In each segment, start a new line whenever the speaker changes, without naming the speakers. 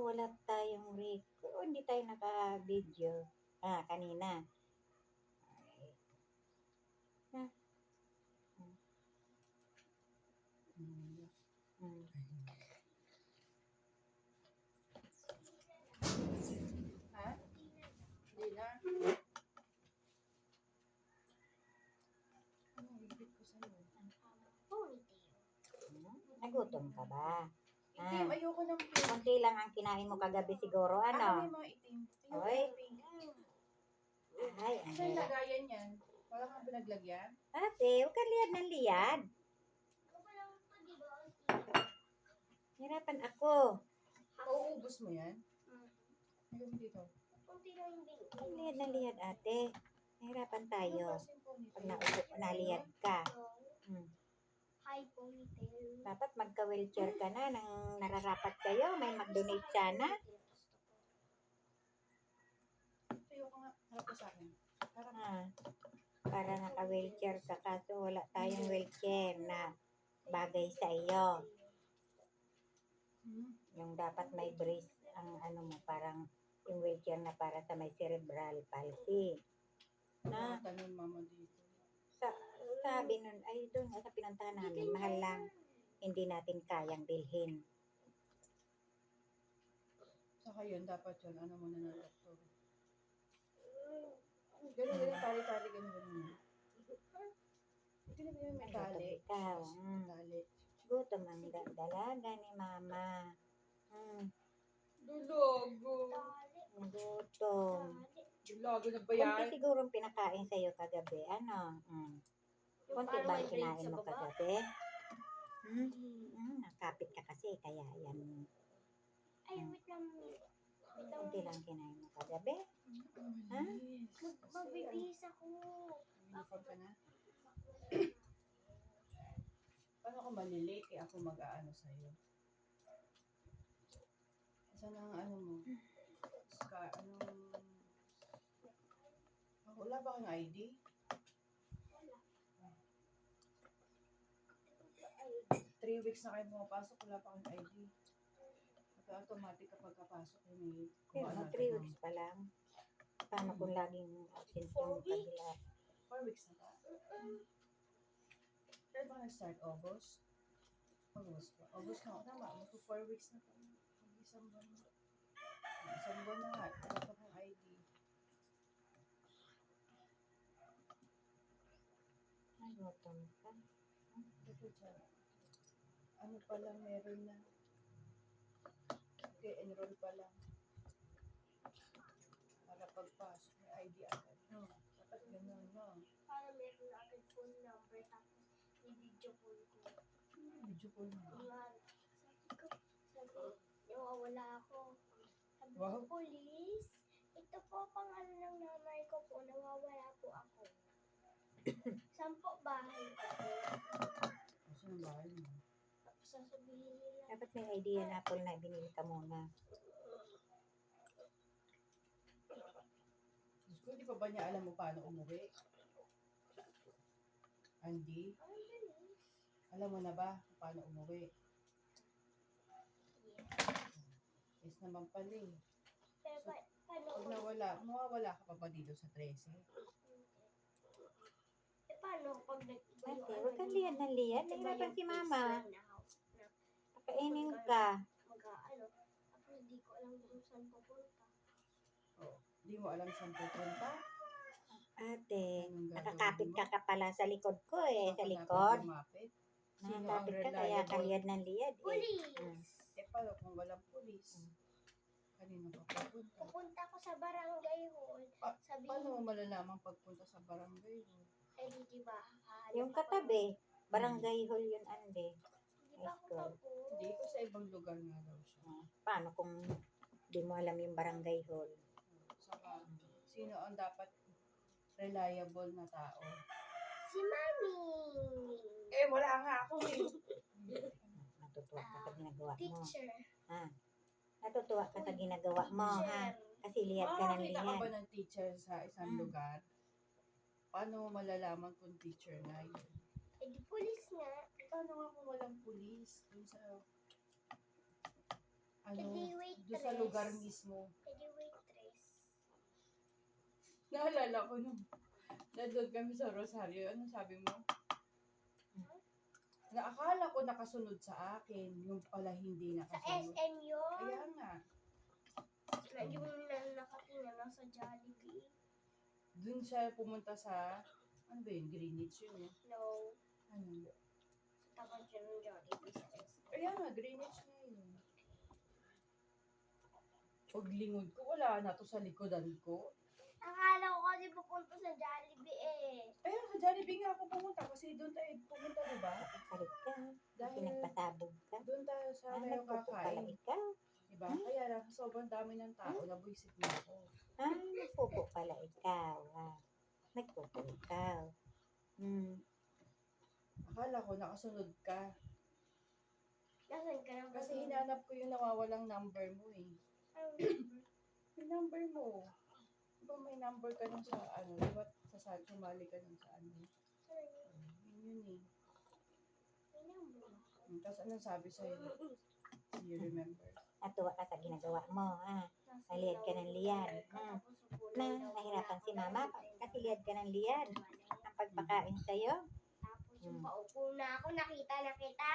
wala tayong hindi tayo naka-video. Kanina. Ah, mm.
Ha? Hindi na. Anong ibig ko sa'yo?
Nagutom ka ba?
Itim, ayoko ng pink.
Konti lang ang kinain mo kagabi siguro,
Ano
ano?
yung mga itim? Ayoko
Oy.
ng pink.
Ay,
Saan lagayan yan? Wala kang pinaglagyan?
Ate, huwag kang liyad ng liyad. Hirapan ako.
Pauubos mo yan? Ayun dito.
Huwag liyad ng liyad, ate. Hirapan tayo.
Ano kasi po nito?
Pag naliyad ka.
Hi, ponytail.
Dapat magka-wheelchair ka na nang nararapat kayo. May mag-donate sana.
Ayoko nga. Harap ka sa akin. Harap.
Para naka-wheelchair ka kaso wala tayong wheelchair na bagay sa iyo. Yung dapat may brace ang ano mo, parang yung wheelchair na para sa may cerebral palsy. Na,
Tanong mama dito.
sabi nun, ay doon sa pinuntahan namin, mahal lang. Hindi natin kayang bilhin.
Saka yun, dapat yun. Ano muna ng doktor. Ganun, tali-tali, ganun. Ganun, may tali.
Ikaw,
Tali.
gutom ang dalaga ni mama.
Dulago.
Gutom.
Dulago na ba
Kunti
yan?
siguro pinakain sa'yo kagabi. Ano? Kunti ba ang kinain mo kagabi? Nakapit ka kasi, kaya yan.
Ay, wait lang.
Kunti lang kinain mo kagabi. Ha?
Magbibihis ako.
Uniform ka na? Paano ako malilate? Ako mag-aano sa'yo. Saan ang ano mo? Wala ba kang ID?
Wala.
3 weeks na kayo pumapasok, wala pa kang ID. Automatic kapag kapasok yun
Pero 3 weeks pa lang. Paano kung laging absent yung kabila?
4 weeks na ba? Kaya ba nag-start? August? August pa. August na. Tama, magpo 4 weeks na pa. Isang buwan na. Isang buwan na nga. Wala pa kang ID.
Ay, gutom ka.
Ito dyan. Ano pa lang meron na? Okay, enroll pa lang. Para pagpasok, may ID agad. No? Dapat ganun, no?
Para meron na agad phone number tapos i-video call ko.
Video call mo.
Sabi, nawawala ako. Sabi ko,
Wow.
police, ito po pangalan ng nanay ko po, nawawala po ako. Saan po bahay ko po?
Kasi ang bahay mo.
Tapos sasabihin nila,
Dapat may idea na Apple na binili ka muna.
Diyos ko, di pa ba niya alam mo paano umuwi? Andy,
ang bilis.
alam mo na ba kung paano umuwi? Yes naman pala eh.
Pero paano
Pag
ko?
mawawala ka pa ba dito sa 13?
Paano pag nag-iba
Ate,
yung
huwag kang liyad ng liyad. Nahirapan si mama. Pakainin ka.
Tapos hindi ko alam kung saan pupunta.
Oh, di mo alam saan pupunta?
Ate,
Anong gagawin
nakakapit
mo?
ka pala sa likod ko eh.
Saan
Sa
ka
likod.
dapat lumapit? Sino ang
Nakakapit ka kaya
reliable?
kaliyad ng liyad eh.
Police!
Paano kung walang pulis? Kanino ka pupunta?
Pupunta ko sa barangay hall. Sabihin,
Paano mo malalaman pagpunta sa barangay mo?
ay di ba?
Yung katabi, barangay hall yun, ande.
Di ba ako tapos?
Hindi ko sa ibang lugar nga daw siya.
Paano kung di mo alam yung barangay hall?
Saka, sino ang dapat reliable na tao?
Si Mami!
Eh, wala nga ako eh.
Natutuwa ka sa ginagawa mo.
Teacher.
Natutuwa ka sa ginagawa mo, ha? Kasi liyad ka ng
Makakita ka ba
liyad.
ng teacher sa isang lugar? Paano mo malalaman kung teacher na yun?
Eh di police nga.
Paano nga kung walang pulis? Kung sa...
Eh di wait
Doon sa lugar mismo.
Pwede waitress.
Naalala ko nung nandun kami sa Rosario. Ano sabi mo? Naakala ko nakasunod sa akin. Yung pala hindi
Sa
nakasunod.
SM yun.
Kaya nga.
Yung nakatingin lang sa Jollibee.
Doon siya pumunta sa, ano ba yun? Greenwich yun eh.
No.
Ano?
Sa tapat siya ng Jollibee sa SM.
Kaya nga, Greenwich na yun. Paglingod ko, wala na to sa likodan ko.
Akala ko kasi pupunta sa Jollibee eh.
Ayun, sa Jollibee nga ako pumunta kasi doon tayo pumunta, diba?
Kalit ka.
Dahil
Pinagpasabog ka.
doon tayo sa tayo
Nagpupo pala
kakain.
ikaw.
Diba? Kaya lang, sobrang dami ng tao, nabuisit na ako.
Nagpupo pala ikaw. Nagpupo ikaw.
Akala ko nakasunod ka.
Nasaan ka na ba?
Kasi hinanap ko yung nawawalang number mo eh. Yung number mo. Diba may number ka nung sa ano, diba sumali ka nung sa ano. Yun eh. Tapos anong sabi sa'yo? Do you remember?
Natuwa ka sa ginagawa mo. Naliyad ka ng liyad. Nahirapan si mama kasi liyad ka ng liyad. Ang pagpakain sa'yo.
Tapos yung paupo na ako, nakita na kita.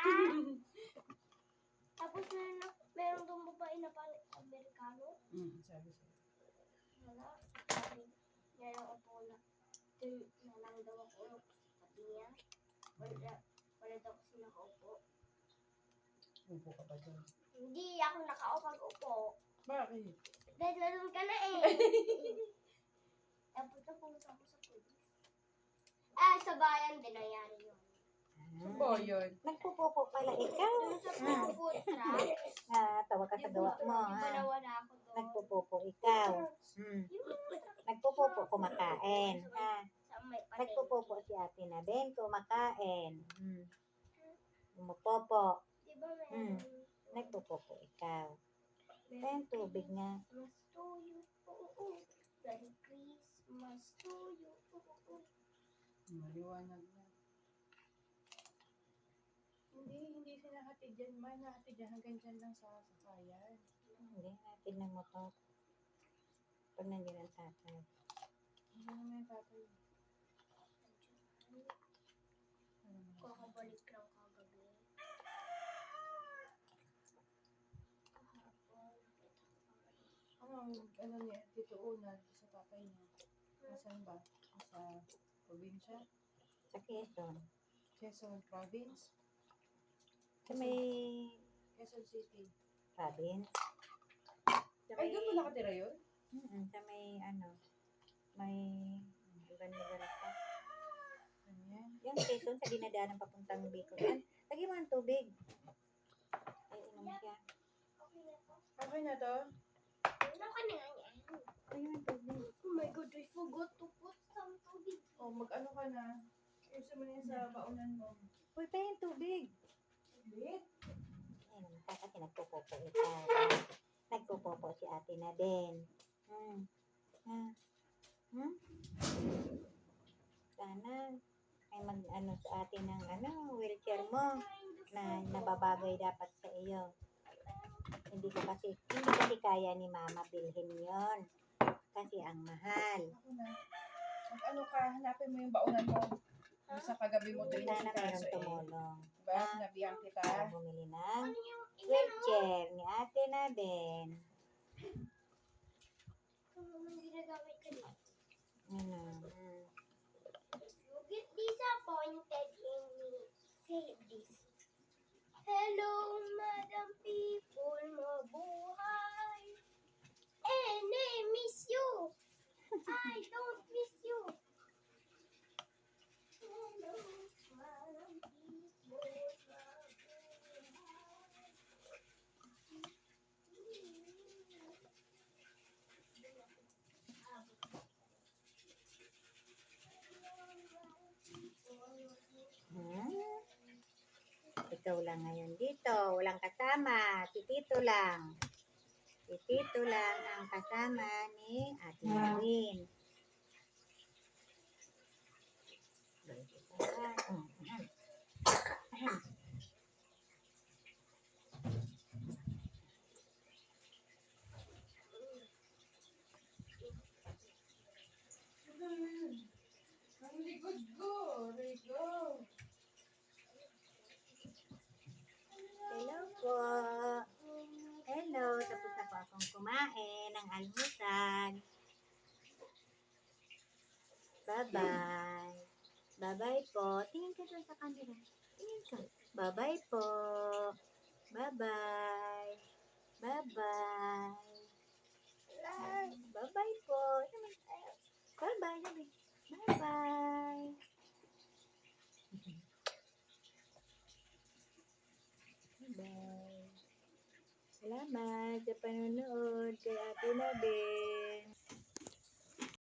Tapos meron doon babae na parang Amerikano.
Sabi sa'yo.
Wala. Sabi niya lang upo na. Nalang daw ako. Sabi niya. Wala daw kasi nakaupo.
Upo ka pa dyan.
Hindi ako nakaupo.
Bakit?
Dahil nandun ka na eh. Tapos napunta ako sa police. Sa bayan din nangyari yun.
Sa bayan.
Nagpupupo pala ikaw.
Doon sa food truck.
Tawa ka sa gawa mo.
Di ba nawala ako doon?
Nagpupupo ikaw. Nagpupupo kumakain.
Sa may palengke.
Nagpupupo si ate na din kumakain. Umupopo.
Di ba meron?
Nagpupupo ikaw. Ayun, tubig nga.
Christmas to you. Merry Christmas to you.
Maliwanag na. Hindi sinahatid yan. May nahatid yan hanggang dyan lang sa sakayan.
Hindi, natin ng motor. Pag nandiyan ang tatay.
Hindi naman yung tatay.
Kakabalik lang kagabi. Kahapon.
Ano niya, Tito Una, sa tatay niya. Nasaan ba? Sa probinsya?
Sa Quezon.
Quezon Province?
Sa may
Quezon City.
province. Sa
Ay, doon mo nakatira yun?
Sa may may ibang lugar pa.
Ano yan?
Yung Quezon sa dinadaanan papuntang Bicol. Lagi mo ang tubig. Ay, inom siya.
Okay na to.
Okay na to?
Ano ka na nga yan?
Ayun ang tubig.
Oh my God, I forgot to put some tubig.
O, mag-ano ka na? Gusto mo na yan sa baunan mo.
Uy, pa yung tubig.
Lit?
Ay, naman ka kasi nagpupopo ikaw. Nagpupopo si ate na din. Sana ay mag-ano sa atin ng wheelchair mo na nababagay dapat sa iyo. Hindi kasi kaya ni mama bilhin yon kasi ang mahal.
Ako na. Mag-ano ka, hanapin mo yung baunan mo. Yung sa kagabi mo doon
Sana
sa
mayroong
kaso eh.
tumulong
Diba? Nabiyak kita.
para bumili ng
Ano yung
wheelchair ni ate na din.
Ano naman ginagamit ka dito? You get disappointed in me. Say this. Hello, Madam People, mabuhay. Miss you. I don't miss you. Hello, Madam People,
Ikaw lang ngayon dito, walang kasama, si Tito lang. Si Tito lang ang kasama ni Ate Marwin.
Ang likod ko, Rico.
Hello po. Hello, tapos na po akong kumain ng almusal. Bye-bye. Bye-bye po. Tingin ka dun sa camera. Tingin ka. Bye-bye po. Bye-bye. Bye-bye. Bye-bye po. Bye-bye. Bye-bye. Bye. Salamat sa panonood kay Ate Nabe.